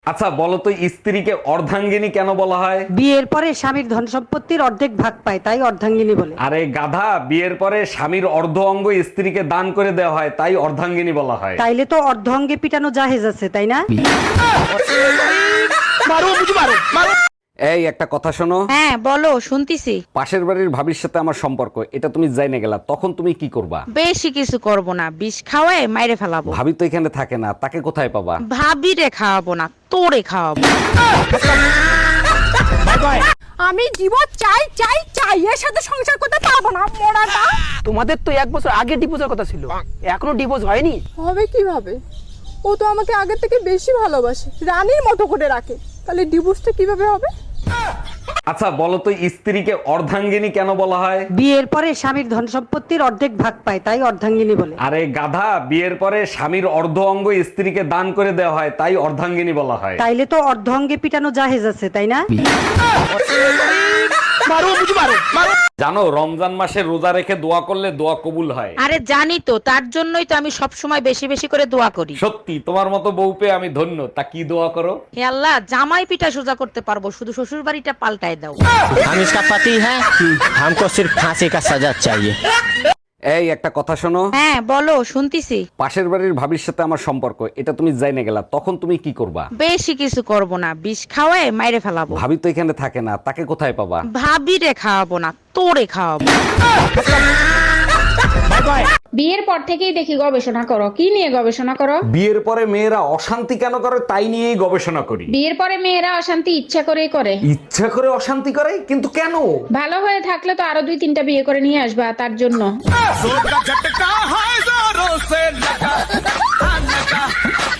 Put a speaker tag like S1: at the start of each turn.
S1: আচ্ছা বলো তো, স্ত্রীকে অর্ধাঙ্গিনী কেন বলা হয়?
S2: বিয়ের পরে স্বামীর ধন সম্পত্তির অর্ধেক ভাগ পায়, তাই অর্ধাঙ্গিনী বলে।
S1: আরে গাধা, বিয়ের পরে স্বামীর অর্ধ অঙ্গ স্ত্রীকে দান করে দেওয়া হয়, তাই অর্ধাঙ্গিনী বলা হয়।
S2: তাইলে তো অর্ধ অঙ্গে পিটানো জাহেজ আছে, তাই না?
S1: এই একটা কথা শোনো,
S3: হ্যাঁ বলো, শুনতিছি।
S1: পাশের বাড়ির ভাবির সাথে আমার সম্পর্ক, এটা তুমি জাইনে গেলা, তখন তুমি কি করবা?
S3: বেশি কিছু করব না, বিষ খাওয়ায় মাইরে ফেলাবো।
S1: ভাবি তো এখানে থাকে না, তাকে কোথায় পাবা?
S3: ভাবিরে খাওয়াবো না, তোরে খাওয়াবো।
S4: আমি ডিভোর্স চাই চাই চাই, এর সাথে সংসার করতে পারবো না মোড়াটা।
S5: তোমাদের তো 1 বছর আগে ডিভোর্সের কথা ছিল, এখনো ডিভোর্স হয়নি।
S4: হবে কিভাবে? ও তো আমাকে আগের থেকে বেশি ভালোবাসে, রানীর মতো করে রাখে, তাহলে ডিভোর্সটা কিভাবে হবে?
S1: আচ্ছা বলো তো, স্ত্রীকে অর্ধাঙ্গিনী কেন বলা হয়?
S2: বিয়ের পরে স্বামীর ধন সম্পত্তির অর্ধেক ভাগ পায়, তাই অর্ধাঙ্গিনী বলে।
S1: আরে গাধা, বিয়ের পরে স্বামীর অর্ধ অঙ্গ স্ত্রীকে দান করে দেওয়া হয়, তাই অর্ধাঙ্গিনী বলা হয়।
S2: তাইলে তো অর্ধ অঙ্গে পিটানো জাহেজ আছে, তাই না?
S1: জানো, রমজান মাসে রোজা রেখে দোয়া করলে দোয়া কবুল হয়।
S3: আরে জানি তো, তার জন্যই তো আমি সব সময় বেশি বেশি করে দোয়া করি।
S1: সত্যি তোমার মতো বউ পেয়ে আমি ধন্য। তা কি দোয়া করো?
S3: হে আল্লাহ, জামাই পিঠা সোজা করতে পারবো, শুধু শ্বশুর বাড়িটা পাল্টায় দাও।
S6: हम इसका पति है, हमको सिर्फ फांसी का सजा चाहिए।
S1: এই একটা কথা শোনো,
S3: হ্যাঁ বলো, শুনতিছি।
S1: পাশের বাড়ির ভাবির সাথে আমার সম্পর্ক, এটা তুমি জাইনে গেলা, তখন তুমি কি করবা?
S3: বেশি কিছু করব না, বিষ খাওয়ায় মাইরে ফেলাবো।
S1: ভাবি তো এখানে থাকে না, তাকে কোথায় পাবা?
S3: ভাবিরে খাওয়াবো না, তোরে খাওয়াবো।
S7: বিয়ের পর থেকেই দেখি গবেষণা করো। কি নিয়ে গবেষণা করো?
S1: বিয়ের পরে মেয়েরা অশান্তি কেন করে, তাই নিয়েই গবেষণা করি।
S7: বিয়ের পরে মেয়েরা অশান্তি ইচ্ছা করেই করে।
S1: ইচ্ছা করে অশান্তি করে, কিন্তু কেন?
S7: ভালো হয়ে থাকলে তো আরো 2-3টা বিয়ে করে নিয়ে আসবা, তার জন্য।